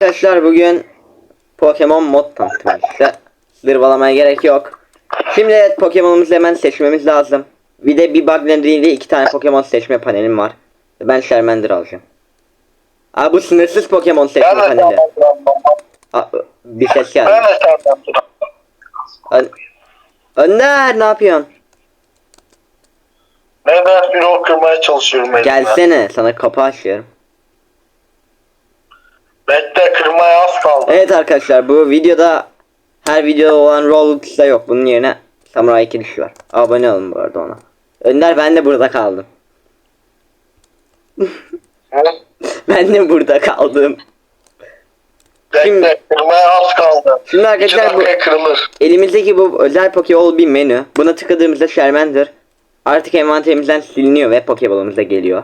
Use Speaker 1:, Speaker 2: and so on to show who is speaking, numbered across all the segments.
Speaker 1: Arkadaşlar bugün Pokemon mod tanıtımı işte. Zırvalamaya gerek yok. Şimdi evet, Pokemon'umuzu hemen seçmemiz lazım. Bir de bir bug nedeniyle 2 tane Pokemon seçme panelim var. Ben Charmander alacağım. Aa, bu sınırsız Pokemon seçme paneli. Aa, bir ses geldi. Önder ne yapıyorsun?
Speaker 2: Ben bir ok kırmaya çalışıyorum elimle.
Speaker 1: Gelsene, sana kapı açıyorum.
Speaker 2: Bekle, kırmaya az kaldı.
Speaker 1: Evet arkadaşlar, bu videoda her videoda olan Roblox'ta yok. Bunun yerine Samurai Kiliş var. Abone olun bu arada ona. Önder, ben de burada kaldım.
Speaker 2: Hı?
Speaker 1: Ben de burada kaldım.
Speaker 2: Bekle, kırmaya az kaldı.
Speaker 1: Şimdi arkadaşlar,
Speaker 2: 2 dakika kırılır.
Speaker 1: elimizdeki bu özel Pokeball bir menü. Buna tıkladığımızda Charmander artık envanterimizden siliniyor ve Pokeball'ımıza geliyor.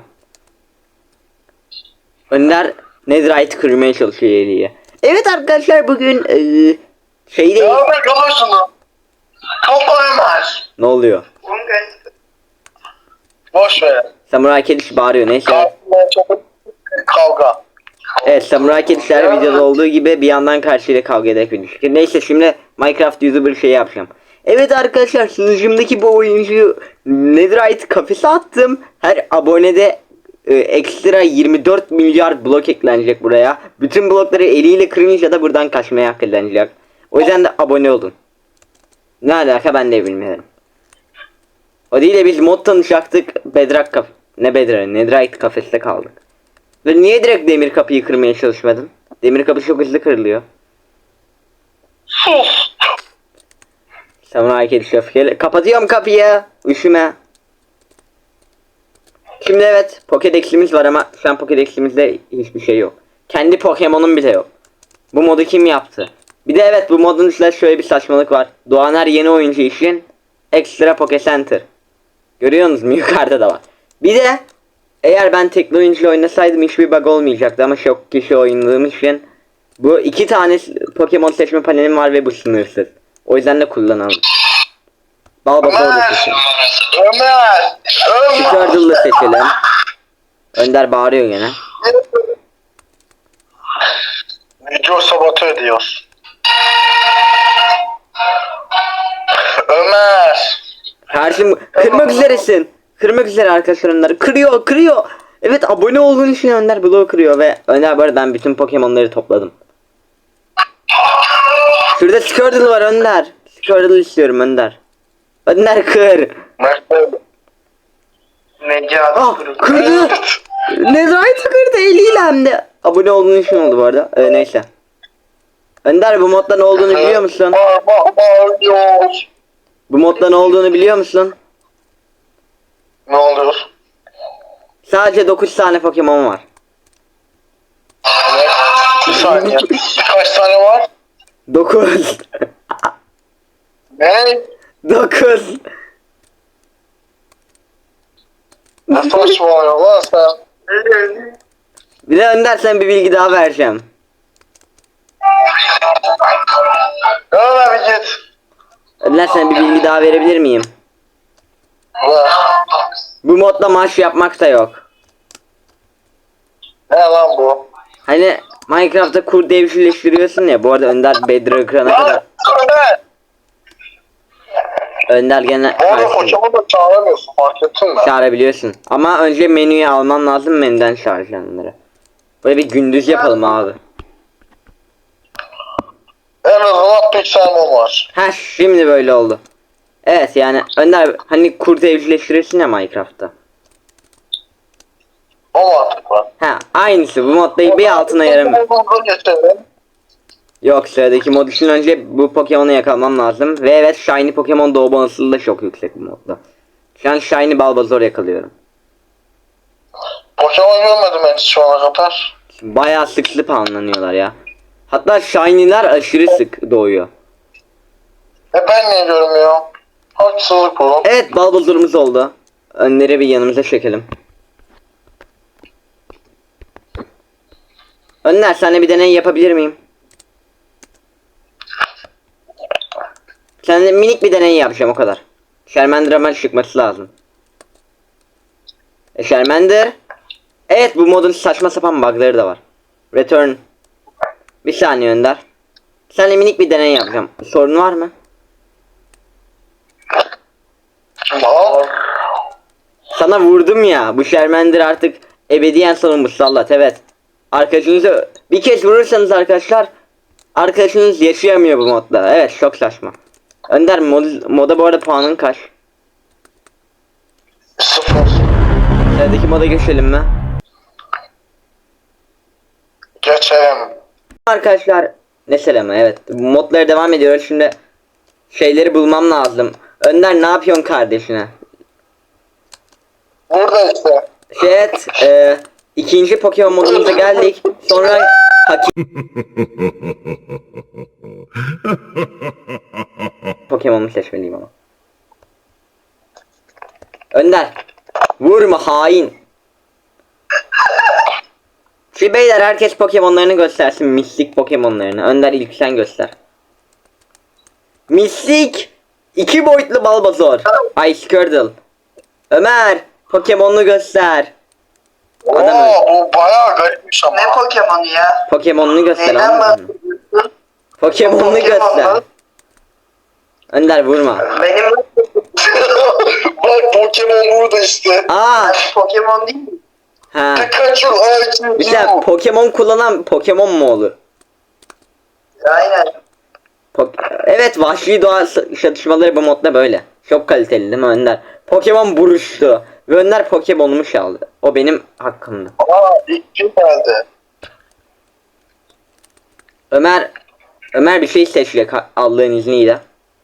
Speaker 1: Önder Netherite kırmaya çalışıyor eliyle. Evet arkadaşlar, bugün şeyde...
Speaker 2: Devam et, kalırsın. Kapayamaz.
Speaker 1: Ne oluyor?
Speaker 2: Boş ver.
Speaker 1: Samurai Kiliş bağırıyor, neyse.
Speaker 2: Kavga, çabuk kavga.
Speaker 1: Evet, Samurai Kedişler videoda olduğu gibi bir yandan karşıyla kavga ederek bir ilişki. Neyse, şimdi Minecraft YouTuber şey yapacağım. Evet arkadaşlar, sunucumdaki bu oyuncuyu Netherite kafese attım. Her abonede ekstra 24 milyar blok eklenecek buraya. Bütün blokları eliyle kırınca da buradan kaçmaya hak edilecek. O yüzden de abone olun. Ne alaka ben de bilmiyorum. O değil de biz mod tanışacaktık. Bedrock kaf... Ne Bedrock? Netherite kafeste kaldık. Ve niye direkt demir kapıyı kırmaya çalışmadın? Demir kapı çok hızlı kırılıyor.
Speaker 2: Sus.
Speaker 1: Samurai Kediş öfkeli. Kapatıyorum kapıyı. Üşüme. Şimdi evet, Pokédex'imiz var ama şu an Pokédex'imizde hiçbir şey yok. Kendi Pokemon'um bile yok. Bu modu kim yaptı? Bir de evet, bu modun içinde şöyle bir saçmalık var. Doğan her yeni oyuncu için ekstra Poké Center. Görüyorsunuz mu? Yukarıda da var. Bir de eğer ben tekli oyuncuyla oynasaydım hiçbir bug olmayacaktı ama çok kişi oynadığım için bu 2 tane Pokemon seçme panelim var ve bu sınırsız. O yüzden de kullanalım. Balbazor'u da seçelim.
Speaker 2: Ömer.
Speaker 1: Squirtle'ı seçelim. Önder bağırıyor gene.
Speaker 2: Video sabote ediyor. Ömer.
Speaker 1: Karşım kırmak üzeresin. Kırmak üzere arkadaşlar Önder'i. Kırıyor. Evet, abone olduğun için Önder bloğu kırıyor ve Önder, bu arada ben bütün Pokemon'ları topladım. Şurada Squirtle var Önder. Squirtle istiyorum Önder. Önder kır.
Speaker 2: Necati
Speaker 1: Kırdı. Netherite kırdı eliyle hem de. Abone olduğun için oldu bu arada. Neyse. Önder, bu modda ne olduğunu biliyor musun?
Speaker 2: Bağırıyor.
Speaker 1: Bu modda ne olduğunu biliyor musun?
Speaker 2: Ne oluyor?
Speaker 1: Sadece 9 tane Pokemon var.
Speaker 2: Ne? Bir saniye. Kaç tane var?
Speaker 1: 9.
Speaker 2: Ne?
Speaker 1: 9.
Speaker 2: Ne saçmalıyor lan sen?
Speaker 1: Bir de Önder, sen bir bilgi daha vereceğim.
Speaker 2: Ömer bir git.
Speaker 1: Önder, sana bir bilgi daha verebilir miyim?
Speaker 2: Ver.
Speaker 1: Bu modda maaş yapmak da yok.
Speaker 2: Ne lan bu?
Speaker 1: Hani Minecraft'ta kurt evcilleştiriyorsun ya. Bu arada Önder Bedrock kırana kadar.
Speaker 2: Lan Ömer.
Speaker 1: Önder gene
Speaker 2: Bu arada Pokemon da çağıramıyorsun, fark ettin mi?
Speaker 1: çağırabiliyorsun. Ama önce menüyü alman lazım, menüden çağıracaksın onları. Böyle bir gündüz yapalım abi.
Speaker 2: En azından Pixelmon var.
Speaker 1: Ha, şimdi böyle oldu. Evet, yani Önder, hani kurt evcilleştirirsin ya Minecraft'ta.
Speaker 2: O mantıklı.
Speaker 1: Ha, aynısı bu modda bir altına yaramıyor.
Speaker 2: Pokemon'da geçelim.
Speaker 1: Yok, sıradaki mod için önce bu Pokemon'u yakalamam lazım. Ve evet, Shiny Pokemon doğma olasılığı da çok yüksek bu modda. Şu an Shiny Bulbasaur yakalıyorum.
Speaker 2: Pokemon görmedim ben hiç şu ana kadar.
Speaker 1: Bayağı sık spawnlanıyorlar ya. Hatta Shiny'ler aşırı sık doğuyor.
Speaker 2: Ben niye görmüyorum? Haksızlık bu.
Speaker 1: Evet, Bulbasaur'umuz oldu. Önleri bir yanımıza çekelim. Önler, sana bir deney yapabilir miyim? Seninle minik bir deney yapacağım, o kadar. Charmander hemen çıkması lazım. Charmander. Evet, bu modun saçma sapan bug'ları da var. Return. saniye Önder. Seninle minik bir deney yapacağım. Sorun var mı?
Speaker 2: Al.
Speaker 1: Sana vurdum ya. Bu Charmander artık ebediyen sonu musallat. Evet. Arkadaşınızı bir kez vurursanız arkadaşlar, arkadaşınız yaşayamıyor bu modda. Evet, çok saçma. Önder moda bu arada puanın kaç?
Speaker 2: 0.
Speaker 1: Sıradaki moda geçelim mi?
Speaker 2: Geçelim.
Speaker 1: Arkadaşlar ne selamı, evet. Modlara devam ediyoruz. Şimdi şeyleri bulmam lazım. Önder ne yapıyorsun kardeşine?
Speaker 2: Burada işte.
Speaker 1: Evet, ikinci Pokemon modumuza geldik. Sonra Pokemon'u seçmeliyim ama. Önder, vurma hain. Şimdi beyler herkes Pokemon'larını göstersin, mistik Pokemon'larını. Önder ilk sen göster. Mistik 2 boyutlu Bulbasaur. Ice Squirtle. Ömer, Pokemon'unu göster. Adam öyle.
Speaker 2: Bu bayağı garipmiş ama.
Speaker 3: Ne Pokemon'u ya?
Speaker 1: Pokemon'unu göster.
Speaker 3: Neyden
Speaker 1: anladın mı?
Speaker 3: bahsediyorsun?
Speaker 1: Pokemon'unu
Speaker 3: Pokemon
Speaker 1: göster.
Speaker 3: mu?
Speaker 1: Önder vurma.
Speaker 3: Benim
Speaker 2: Bak Pokemon burada işte.
Speaker 1: Aa,
Speaker 3: Pokemon değil mi?
Speaker 1: ha.
Speaker 2: Pikachu,
Speaker 1: Bir şey, Pokemon kullanan Pokemon mu olur?
Speaker 3: Aynen.
Speaker 1: Evet, vahşi doğa çatışmaları bu modda böyle. Çok kaliteli değil mi Önder? Pokemon buruştu. Ve Önder Pokemon'umu çaldı. O benim hakkımdı.
Speaker 2: Aa, ilk kim geldi?
Speaker 1: Ömer bir şey seçecek Allah'ın izniyle.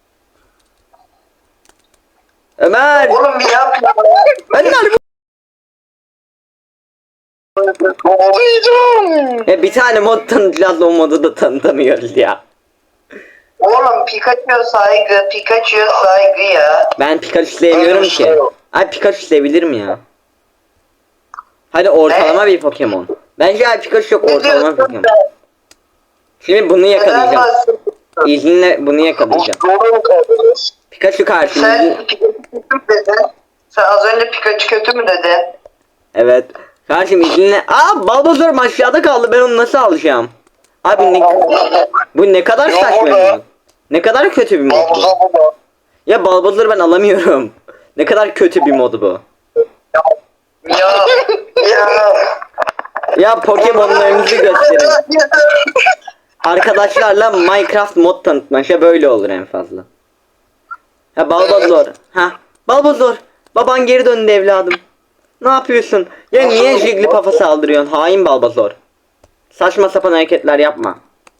Speaker 1: Ömer!
Speaker 3: Oğlum bir yap ya.
Speaker 1: Önder!
Speaker 2: Kovalayacağım.
Speaker 1: Ya bir tane mod tanıtacağız, o modu da tanıtamıyoruz ya.
Speaker 3: Oğlum Pikachu saygı, Pikachu saygı ya.
Speaker 1: Ben Pikachu sevmiyorum ki. Ay Pikachu sevilir ya? Hadi ortalama bir Pokemon. Bence ay Pikachu çok
Speaker 3: Ne
Speaker 1: ortalama bir
Speaker 3: diyorsun
Speaker 1: Pokemon.
Speaker 3: sen?
Speaker 1: Şimdi bunu
Speaker 3: Neden
Speaker 1: yakalayacağım.
Speaker 3: bahsediyorsun?
Speaker 1: İzninle bunu yakalayacağım.
Speaker 2: Doğru mu kaldınız?
Speaker 1: Pikachu karşımızda.
Speaker 3: Sen Pikachu kötü mü dedin? Sen az önce Pikachu kötü mü dedin?
Speaker 1: Evet. Karşım izninle. Aa, Bulbasaur aşağıda kaldı. Ben onu nasıl alacağım? Abi bu ne kadar
Speaker 2: Yok
Speaker 1: saçma bir
Speaker 2: burada.
Speaker 1: mod. Ne kadar kötü bir mod bu.
Speaker 2: Havuza burada.
Speaker 1: Ya Bulbasaur'u ben alamıyorum. Ne kadar kötü bir mod bu.
Speaker 3: Ya. Ya.
Speaker 1: Ya Pokemon'larınızı gösterin. Arkadaşlarla Minecraft mod tanıtmaşa böyle olur en fazla. Ha Bulbasaur. Ha Bulbasaur. Baban geri döndü evladım. Ne yapıyorsun? Ya niye Jigglypuff'a saldırıyorsun? Hain Bulbasaur. Saçma sapan hareketler yapma.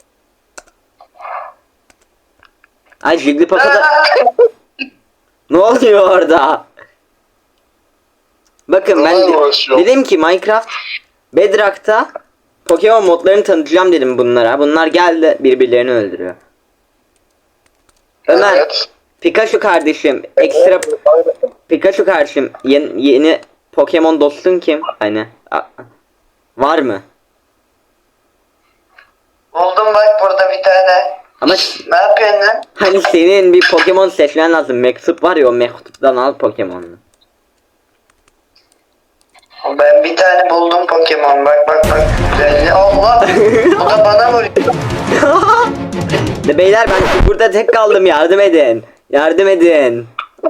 Speaker 1: Ay Jigglypuff'a da... Ne oluyor orada? Bakın ben
Speaker 2: Neler uğraşıyor?
Speaker 1: dedim ki Minecraft Bedrock'ta Pokemon modlarını tanıtacağım dedim bunlara. Bunlar geldi birbirlerini öldürüyor. Ömer,
Speaker 2: Evet.
Speaker 1: Pikachu kardeşim, ekstra Pikachu kardeşim, yeni Pokemon dostun kim? Hani var mı?
Speaker 3: Buldum bak burada bir tane.
Speaker 1: Ama
Speaker 3: Ne yapıyorsun lan?
Speaker 1: hani senin bir Pokemon seçmen lazım. Mektup var ya, o mektuptan al Pokemon'unu.
Speaker 3: Ben bir tane buldum Pokemon bak bak bak. Güzelliği Allah. Bu da bana vuruyor.
Speaker 1: De beyler ben burada tek kaldım, yardım edin. Yardım edin.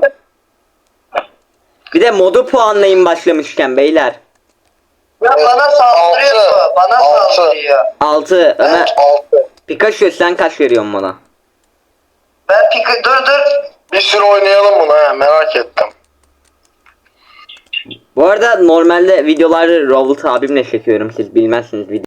Speaker 1: Bir de modu puanlayın başlamışken beyler.
Speaker 3: Ya bana saldırıyor
Speaker 2: Altı.
Speaker 3: bu. Bana
Speaker 2: Altı.
Speaker 3: saldırıyor.
Speaker 1: 6 Ömer.
Speaker 2: 6.
Speaker 1: Pikachu sen kaç veriyorsun bana?
Speaker 3: Ben dur.
Speaker 2: Bir sürü oynayalım bunu ha, merak ettim.
Speaker 1: Bu arada normalde videoları Robert abimle çekiyorum, siz bilmezsiniz video.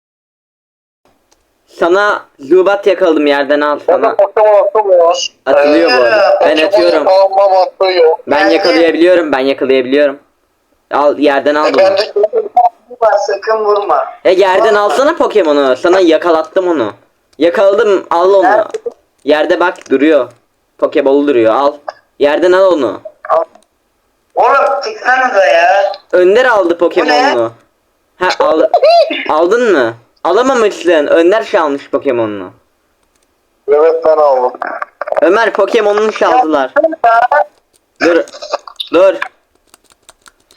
Speaker 1: Sana Zubat yakaladım, yerden al sana.
Speaker 2: Pokemon atılmıyor.
Speaker 1: Atılıyor bu arada. Ben
Speaker 2: Pokemon
Speaker 1: atıyorum.
Speaker 2: yakalanmam atıyor.
Speaker 1: Ben yakalayabiliyorum. Al yerden al bunu.
Speaker 2: Ben de
Speaker 3: Vurma sakın vurma.
Speaker 1: Yerden alsana Pokemon'u. Sana yakalattım onu. Yakaladım, al onu.
Speaker 3: Nerede?
Speaker 1: Yerde bak duruyor. Pokeball duruyor, al. Yerden al onu.
Speaker 3: Oğlum çıksanıza ya.
Speaker 1: Önder aldı Pokemon'unu. Ha aldın mı? Alamamışsın. Önder çalmış Pokemon'unu.
Speaker 2: evet ben aldım.
Speaker 1: Ömer Pokemon'unu çaldılar. Dur. Dur.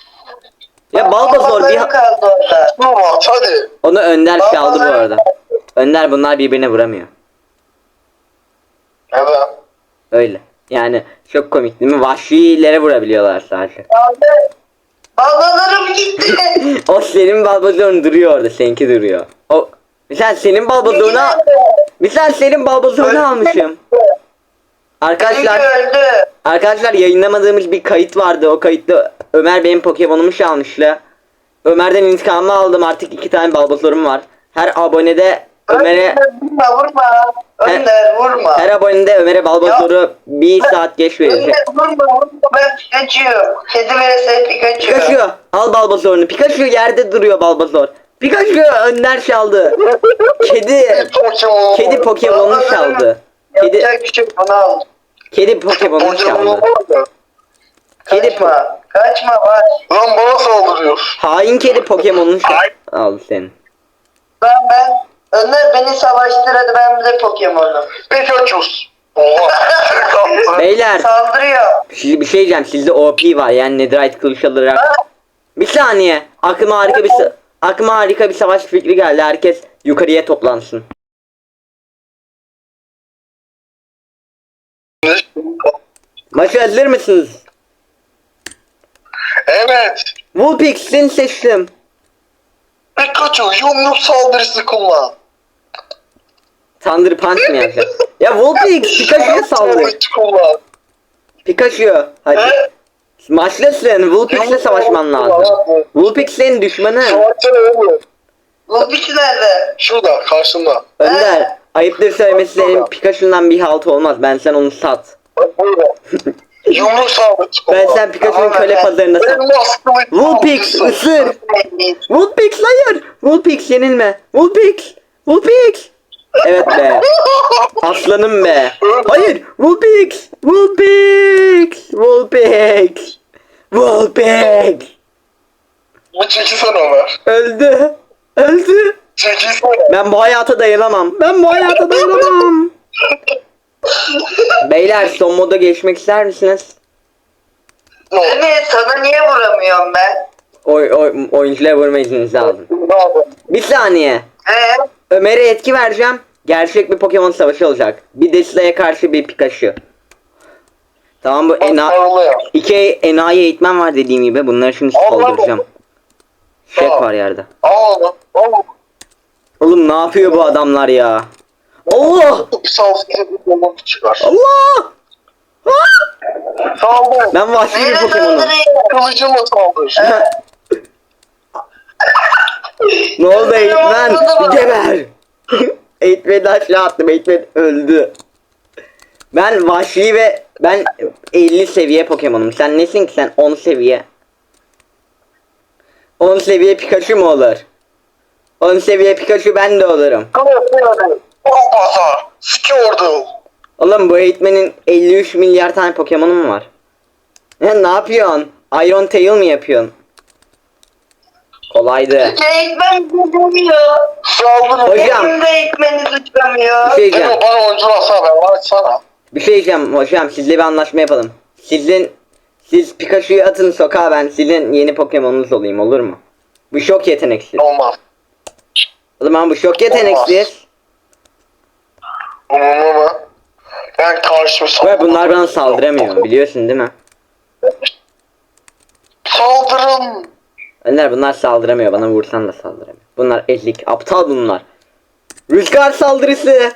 Speaker 1: Ya Bulbasaur bir
Speaker 3: kaldı orada.
Speaker 2: Dur at hadi.
Speaker 1: onu Önder çaldı bu arada. Önder bunlar birbirine vuramıyor.
Speaker 2: Neden?
Speaker 1: Öyle. Yani çok komik değil mi? Vahşilere vurabiliyorlar sadece.
Speaker 3: Aldı. Balonlarım gitti.
Speaker 1: O senin balbazorun duruyor orada. Seninki duruyor. O mesela senin balbazoruna mesela senin balbazorunu almışım. Arkadaşlar
Speaker 3: Çünkü öldü.
Speaker 1: arkadaşlar yayınlamadığımız bir kayıt vardı. O kayıtta Ömer benim Pokemon'umu çalmıştı. Ömer'den intikamını aldım. Artık 2 tane balbazorum var. Her abonede Ömer'e
Speaker 3: Vurma. Önder vurma.
Speaker 1: her abonede Ömer'e balbazoru 1 saat geç verecek.
Speaker 3: Önder vurma. Ben Pikachu. Kedi vs Pikachu.
Speaker 1: Pikachu al balbazorunu. Pikachu yerde duruyor balbazor. Pikachu Önder çaldı. Kedi
Speaker 2: Pokemon.
Speaker 1: kedi Pokemon'u çaldı. Kedi
Speaker 3: Yapacak bir şey yok, bunu al.
Speaker 1: kedi Pokemon'u çaldı. Kedi
Speaker 3: Kaçma. Kaçma var.
Speaker 2: Lan bana saldırıyor.
Speaker 1: hain kedi Pokemon'u aldı senin.
Speaker 3: Ben. Önder beni savaştır hadi ben bir de Pokemon'um.
Speaker 2: Pikachu. Oha. Çıkarttı.
Speaker 1: Beyler
Speaker 3: Saldırıyor.
Speaker 1: bir şey diyeceğim. Sizde OP var yani Netherite kılıç alarak. Bir saniye. Aklıma harika bir savaş fikri geldi. Herkes yukarıya toplansın. Maça hazır mısınız?
Speaker 2: Evet.
Speaker 1: Vulpix'in seçtim.
Speaker 2: Pikachu yumruk saldırısı kullan.
Speaker 1: Thunder Punch mı yapacağız? Ya Vulpix Pikachu'ya saldır.
Speaker 2: Saldırısı kullan.
Speaker 1: Pikachu hadi.
Speaker 2: He?
Speaker 1: Maçlasın. Vulpix'le savaşman lazım. Vulpix senin düşmanın.
Speaker 2: Savaşçı oğlum.
Speaker 3: Lobisi nerede?
Speaker 2: Şurada karşımda.
Speaker 1: Önder ayıptır söylemesi senin Pikachu'ndan bir halt olmaz. Ben sen onu sat.
Speaker 2: Bak burada. Yumruk saldırısı kullan.
Speaker 1: Ben sen Pikachu'nun köle pazarında sat.
Speaker 2: Elmas kılıç
Speaker 1: Vulpix
Speaker 2: saldırısı.
Speaker 1: ısır. Vulpix hayır. Vulpix yenilme. Vulpix. Vulpix. Evet be. Aslanım be. Hayır. Vulpix. Vulpix. Vulpix. Vulpix.
Speaker 2: Bu çekilsene Ömer.
Speaker 1: Öldü. Öldü.
Speaker 2: Çekilsene.
Speaker 1: Ben bu hayata dayanamam. Ben bu hayata dayanamam. Beyler son moda geçmek ister misiniz?
Speaker 3: Evet sana niye vuramıyorum ben?
Speaker 1: Oyunculara vurma izninizi aldım.
Speaker 2: Ne yapalım?
Speaker 1: Bir saniye. Ömer'e etki vereceğim. Gerçek bir Pokemon savaşı olacak. Bir Desla'ya karşı bir Pikachu. Tamam bu
Speaker 2: Parlıyor.
Speaker 1: 2 enayi eğitmen var dediğim gibi. Bunları şimdi saldıracağım. Şek var yerde.
Speaker 2: Al onu. Al onu.
Speaker 1: Oğlum ne yapıyor bu adamlar ya? Allah!
Speaker 2: Bir saldırısı bir bomba çıkar.
Speaker 1: Allah!
Speaker 2: Saldır.
Speaker 1: Ben vahşi bir
Speaker 3: Nereye
Speaker 1: Pokemon'um.
Speaker 3: saldırıyor?
Speaker 2: Kılıcımla saldır.
Speaker 1: Ne oldu eğitmen? Geber! Eğitmeni aşağı attım. Eğitmen öldü. Ben vahşi ve ben 50 seviye Pokemon'um. Sen nesin ki sen 10 seviye? 10 seviye Pikachu mu olur? 10 seviye Pikachu ben de olurum.
Speaker 2: Bombasa. Skirtle.
Speaker 1: Oğlum bu eğitmenin 53 milyar tane Pokemon'u mu var? Ne yapıyorsun? Iron Tail mi yapıyorsun? Kolaydı.
Speaker 3: Eğitmen tutamıyor.
Speaker 2: Saldırın.
Speaker 1: Hocam.
Speaker 3: Benim de eğitmeni tutamıyor.
Speaker 1: Bir şey diyeceğim.
Speaker 2: Demo bana oyuncu alsana ben açsana.
Speaker 1: Bir şey diyeceğim hocam. Sizle bir anlaşma yapalım. Siz Pikachu'yu atın sokağa, ben sizin yeni Pokemon'unuz olayım, olur mu? Bu şok yeteneksiz.
Speaker 2: Olmaz.
Speaker 1: O zaman bu şok yeteneksiz.
Speaker 2: Umurumda mı? Ben karşıma
Speaker 1: Ve bunlar bana saldıramıyor, biliyorsun değil mi?
Speaker 2: Saldırın.
Speaker 1: Önder bunlar saldıramıyor, bana vursan da saldıramıyor. Bunlar ezik, aptal bunlar. Rüzgar saldırısı.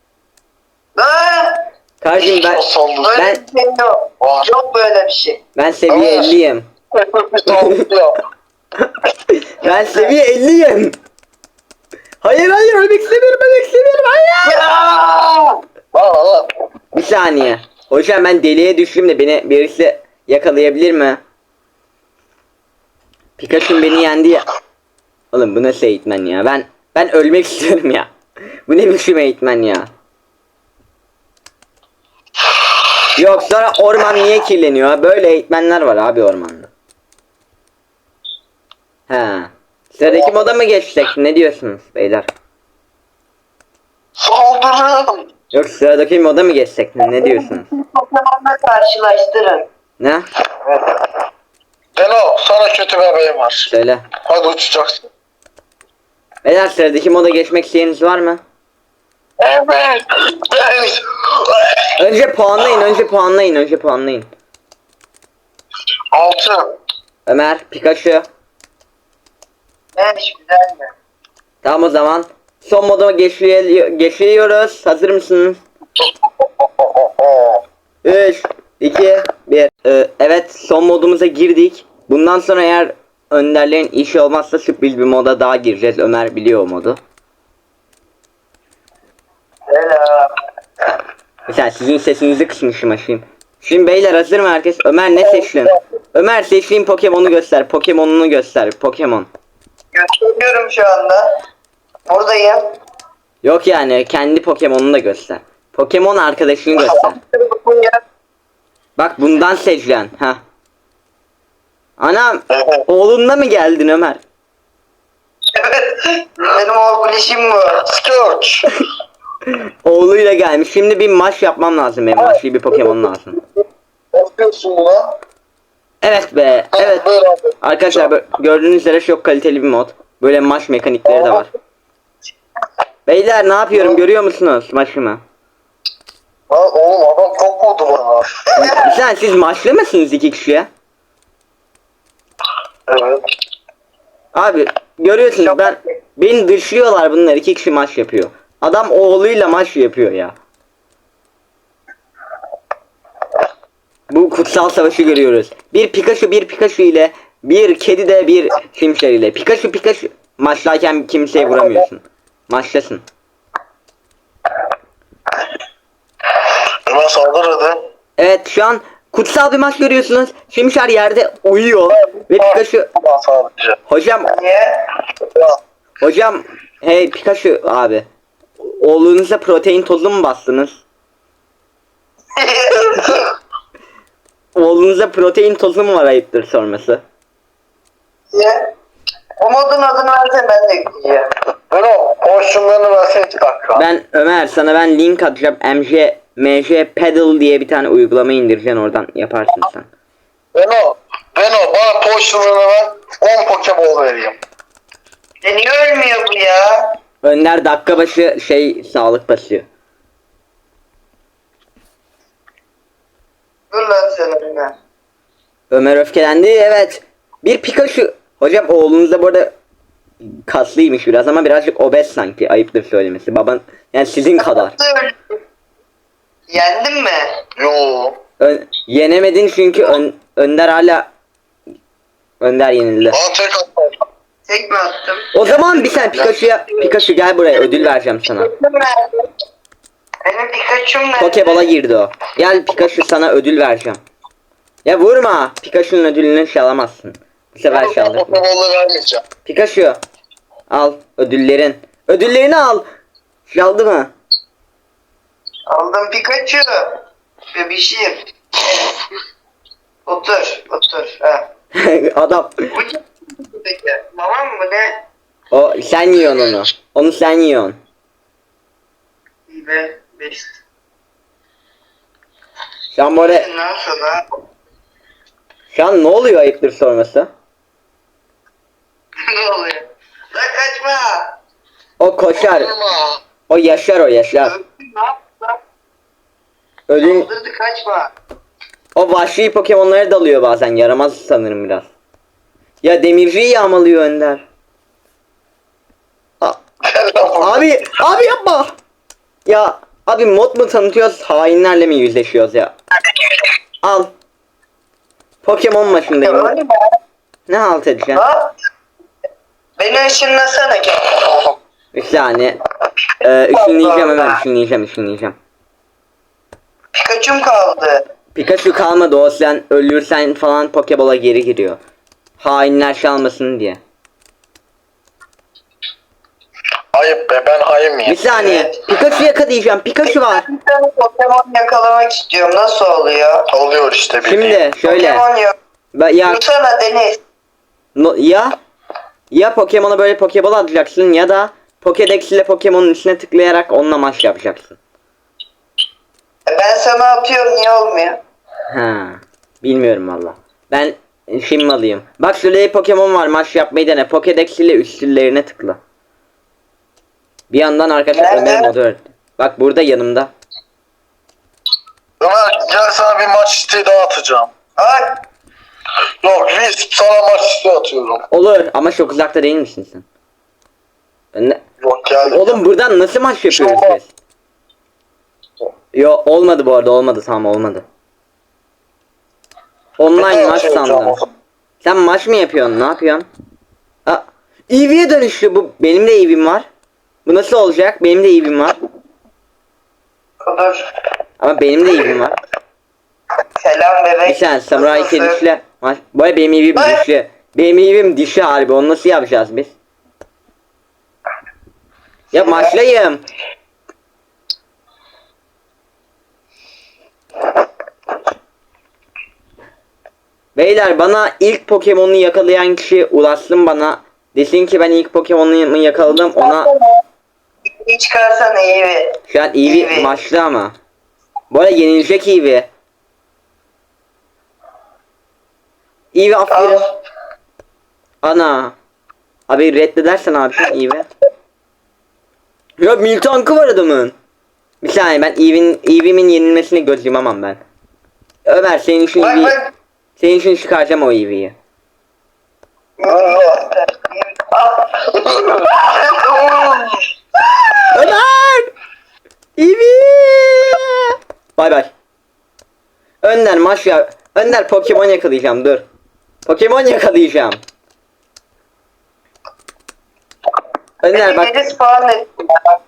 Speaker 3: Ha?
Speaker 1: Kardeşim
Speaker 2: O saldırı.
Speaker 3: Böyle
Speaker 1: Ben-
Speaker 3: bir şey yok.
Speaker 2: Var.
Speaker 3: Yok böyle bir şey.
Speaker 1: ben seviye
Speaker 2: Ama-
Speaker 1: 50'yim.
Speaker 2: Saldırıyor.
Speaker 1: Ben seviye 50'yim. Hayır ölmek istemiyorum, hayır.
Speaker 2: Lan.
Speaker 1: Bir saniye. Hocam ben deliğe düştüm de beni birisi yakalayabilir mi? Pikachu beni yendi ya. Oğlum bu nasıl eğitmen ya? Ben ölmek istiyorum ya. Bu ne biçim eğitmen ya? Yok sonra orman niye kirleniyor? Böyle eğitmenler var abi ormanda. He. Sıradaki moda mı geçsek? Ne diyorsunuz beyler?
Speaker 2: Saldırın.
Speaker 1: Yok sıradaki moda mı geçsek? Ne diyorsunuz?
Speaker 3: Pokemon'la karşılaştırın.
Speaker 1: Ne?
Speaker 2: Deno sana kötü bir haberim var.
Speaker 1: Söyle.
Speaker 2: Hadi uçacaksın.
Speaker 1: Beyler sıradaki moda geçmek isteyeniniz var mı?
Speaker 2: Evet.
Speaker 1: Önce puanlayın.
Speaker 2: 6.
Speaker 1: Ömer, Pikachu.
Speaker 3: Evet güzel mi?
Speaker 1: Tamam o zaman. Son moda geçiyoruz. Hazır mısınız? 3, 2, 1. Evet, son modumuza girdik. Bundan sonra eğer önderlerin işi olmazsa sürpriz bir moda daha gireceğiz. Ömer biliyor o modu.
Speaker 3: Selam.
Speaker 1: Mesela sizin sesinizi kısmışım aşayım. Şimdi beyler hazır mı herkes? Ömer ne seçtin? Ömer seçtiğin Pokemon'u göster. Pokemon'unu göster. Pokemon.
Speaker 3: Gösteriyorum şu anda. Buradayım.
Speaker 1: Yok yani kendi Pokemon'unu da göster. Pokemon arkadaşını göster. Bak bundan seçeceksin. Ha. Anam oğlunla mı geldin Ömer?
Speaker 3: Evet. Benim oğlum bu.
Speaker 2: Scourge.
Speaker 1: Oğluyla gelmiş. Şimdi bir maç yapmam lazım benim. Maçlı bir Pokemon lazım.
Speaker 2: Bakıyorsun buna.
Speaker 1: Evet be. Evet.
Speaker 2: Böyle abi.
Speaker 1: Arkadaşlar gördüğünüz üzere çok kaliteli bir mod. Böyle maç mekanikleri de var. Beyler ne yapıyorum görüyor musunuz maçımı?
Speaker 2: Lan oğlum adam çok vurdu bana.
Speaker 1: Sen siz maçlı mısınız iki kişiye?
Speaker 2: Evet.
Speaker 1: Abi görüyorsunuz beni dışlıyorlar bunlar iki kişi maç yapıyor. Adam oğluyla maç yapıyor ya. Bu kutsal savaşı görüyoruz. Bir Pikachu ile bir kedi de bir Simşer ile. Pikachu maçlarken kimseye vuramıyorsun. Maçtasın.
Speaker 2: Hemen saldır hadi.
Speaker 1: Evet şu an kutsal bir maç görüyorsunuz. Simşer yerde uyuyor ve Pikachu
Speaker 2: Tamam sadece.
Speaker 1: hocam
Speaker 3: Niye?
Speaker 1: hocam hey Pikachu abi. Oğlunuza protein tozu mu bastınız? Oğlunuza protein tozu mu var ayıptır sorması?
Speaker 3: Niye? O modun adını versen ben de ekleyeceğim.
Speaker 2: Ben o porsiyonlarını versene 2 dakika.
Speaker 1: Ben Ömer sana ben link atacağım. MJ Pedal diye bir tane uygulama indireceksin oradan yaparsın sen.
Speaker 2: Ben o bana porsiyonlarını ver. 10 Pokeball vereyim.
Speaker 3: Niye ölmüyor bu ya?
Speaker 1: Önder dakika başı sağlık basıyor.
Speaker 3: Dur lan sen önüne.
Speaker 1: Ömer öfkelendi evet. Bir Pikachu. Hocam oğlunuz da bu arada kaslıymış biraz ama birazcık obez sanki ayıptır söylemesi. Baban yani sizin kadar.
Speaker 3: Yendin mi?
Speaker 2: Yo.
Speaker 1: Yenemedin çünkü Önder hala Önder yenildi.
Speaker 2: Bana tek atma.
Speaker 3: Tek mi attım?
Speaker 1: O zaman bir sen Pikachu gel buraya ödül vereceğim sana.
Speaker 3: Benim Pikachu'm nerede?
Speaker 1: Pokeball'a girdi o. Gel Pikachu sana ödül vereceğim. Ya vurma. Pikachu'nun ödülünü çalamazsın. Bu sefer çaldık.
Speaker 2: Pokeball'ı vermeyeceğim.
Speaker 1: Pikachu. Al ödüllerin. Ödüllerini al. Çaldı mı?
Speaker 3: Aldım Pikachu. Bebişim. Otur. Ha.
Speaker 1: Adam.
Speaker 3: Bu ne? Peki. Mamam mı ne?
Speaker 1: O sen yiyorsun onu. Onu sen yiyorsun.
Speaker 3: İyi be. 5.
Speaker 1: Şu an böyle.
Speaker 3: Ondan sonra.
Speaker 1: Şu an ne oluyor ayıptır sorması?
Speaker 3: Ne oluyor? Lan kaçma.
Speaker 1: O koşar.
Speaker 2: Vurma.
Speaker 1: O yaşar.
Speaker 3: Ne yaptın?
Speaker 1: Ödül.
Speaker 3: Saldırdı kaçma.
Speaker 1: O vahşi Pokemon'lara dalıyor bazen. Yaramaz sanırım biraz. Ya demirciyi yağmalıyor Önder. Abi yapma. Ya abi mod mu tanıtıyoruz hainlerle mi yüzleşiyoruz ya? Al. Pokemon maçındayım.
Speaker 3: Öyle mi?
Speaker 1: Ne halt edeceksin?
Speaker 3: Ha? Beni ışınlasana ki.
Speaker 1: Bir saniye. Işınlayacağım hemen ışınlayacağım.
Speaker 3: Pikachu'm kaldı.
Speaker 1: Pikachu kalmadı o sen ölürsen falan Pokeball'a geri giriyor. Hainler çalmasın diye.
Speaker 2: Ayıp be ben hain miyim?
Speaker 1: Bir saniye. Pikachu yakalayacağım. Pikachu var.
Speaker 3: Bir tane Pokemon yakalamak istiyorum. Nasıl oluyor?
Speaker 2: Oluyor işte bildiğin.
Speaker 1: Şimdi şöyle.
Speaker 3: Pokemon yok.
Speaker 1: Ya
Speaker 3: Dursana Deniz.
Speaker 1: ya Pokemon'a böyle Pokeball atacaksın ya da Pokédex ile Pokemon'un üstüne tıklayarak onunla maç yapacaksın.
Speaker 3: Ben sana atıyorum niye olmuyor?
Speaker 1: Ha, bilmiyorum valla. Ben şimdi alayım. Bak şurada Pokemon var maç yapmayı dene. Pokédex ile üstlerine tıkla. Bir yandan arkadaşlar
Speaker 3: Nerede?
Speaker 1: Ömer modu öğretti. Bak burada yanımda.
Speaker 2: Ömer gel sana bir maç isteği daha atacağım.
Speaker 3: Ay.
Speaker 2: Yok Risk sana maç isteği atıyorum.
Speaker 1: Olur ama çok uzakta değil misin sen?
Speaker 2: Yok gel.
Speaker 1: Oğlum buradan nasıl maç yapıyoruz
Speaker 2: Şova.
Speaker 1: biz? Yo olmadı bu arada, olmadı, tamam olmadı. Online maç sandım. Sen maç mı yapıyorsun? Ne yapıyorsun? Aa, EV'ye dönüştü bu. Benim de EV'm var. Bu nasıl olacak? Benim de EV'm var.
Speaker 3: Dur.
Speaker 1: Ama benim de EV'm var.
Speaker 3: Selam bebek.
Speaker 1: Bir saniye Samuray
Speaker 3: Nasılsın?
Speaker 1: kedişle maç. Bu arada benim EV'm
Speaker 3: Ay.
Speaker 1: dişli. Benim EV'm dişi harbi. Onu nasıl yapacağız biz? Ya maçlayayım. Beyler bana ilk Pokemon'u yakalayan kişi ulaşsın bana. Desin ki ben ilk Pokemon'u yakaladım, ona
Speaker 3: İyi çıkarsan iyi.
Speaker 1: şu an Eevee
Speaker 3: Eevee.
Speaker 1: maçlı ama. Bu arada yenilecek Eevee. Eevee aferin.
Speaker 3: Al.
Speaker 1: Ana. Abi reddedersen abi Eevee. Ya Miltank'ı var adamın. Bir saniye ben Eevee'min yenilmesini göz yumamam ben. Ömer senin için
Speaker 3: Bak
Speaker 1: Eevee.
Speaker 3: bak.
Speaker 1: Senin için çıkaracağım o Eevee'yi. Ömer! Eevee! Bay bay. Önder maç ya. Önder Pokemon yakalayacağım dur. Pokemon yakalayacağım. Önder bak.
Speaker 3: Biri spawn ettim.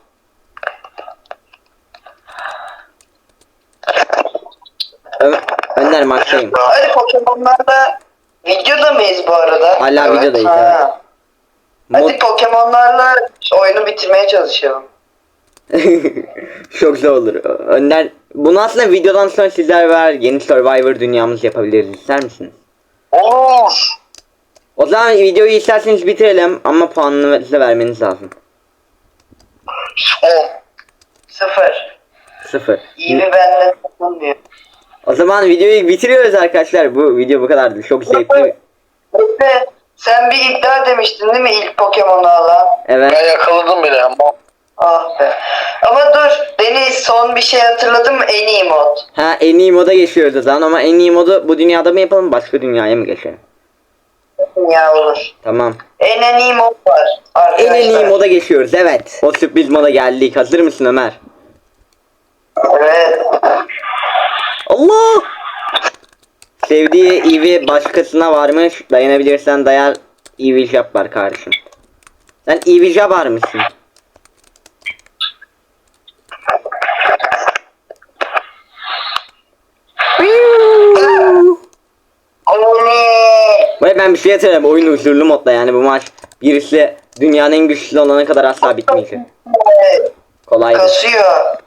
Speaker 1: Önder maçtayım.
Speaker 3: Hadi Pokemon'larla videoda mıyız bu arada?
Speaker 1: Hala videodayız,
Speaker 3: Ha.
Speaker 1: Mod...
Speaker 3: Hadi Pokemon'larla oyunu bitirmeye çalışalım.
Speaker 1: Çok zor olur. Önder bunu aslında videodan sonra sizler var yeni Survivor dünyamız yapabiliriz. İster misiniz?
Speaker 2: Olur.
Speaker 1: O zaman videoyu isterseniz bitirelim ama puanını size vermeniz lazım.
Speaker 2: 10.
Speaker 3: 0.
Speaker 1: 0.
Speaker 3: İyi mi bende takılmıyor.
Speaker 1: O zaman videoyu bitiriyoruz arkadaşlar. Bu video bu kadardı. Çok zevkli.
Speaker 3: Efe, sen bir iddia demiştin değil mi ilk Pokemon'u alan?
Speaker 1: Evet.
Speaker 2: Ben yakaladım bile ama.
Speaker 3: Ah be. Ama dur, Deniz son bir şey hatırladım mı? En iyi mod.
Speaker 1: Ha en iyi moda geçiyoruz o zaman ama en iyi modu bu dünyada mı yapalım başka dünyaya mı geçelim?
Speaker 3: Ya olur.
Speaker 1: Tamam.
Speaker 3: En iyi mod var arkadaşlar.
Speaker 1: En iyi moda geçiyoruz evet. O sürpriz moda geldik. Hazır mısın Ömer?
Speaker 3: Evet.
Speaker 1: Allah! Sevdiği Eevee başkasına varmış. Dayanabilirsen dayar. Eevee Jab var kardeşim. Sen Eevee Jab var mısın? Ve ben bir şey hatırlıyorum. Oyun huzurlu modda yani bu maç. Birisi dünyanın en güçlü olana kadar asla bitmeyecek. Kolaydı.
Speaker 3: Kasıyor.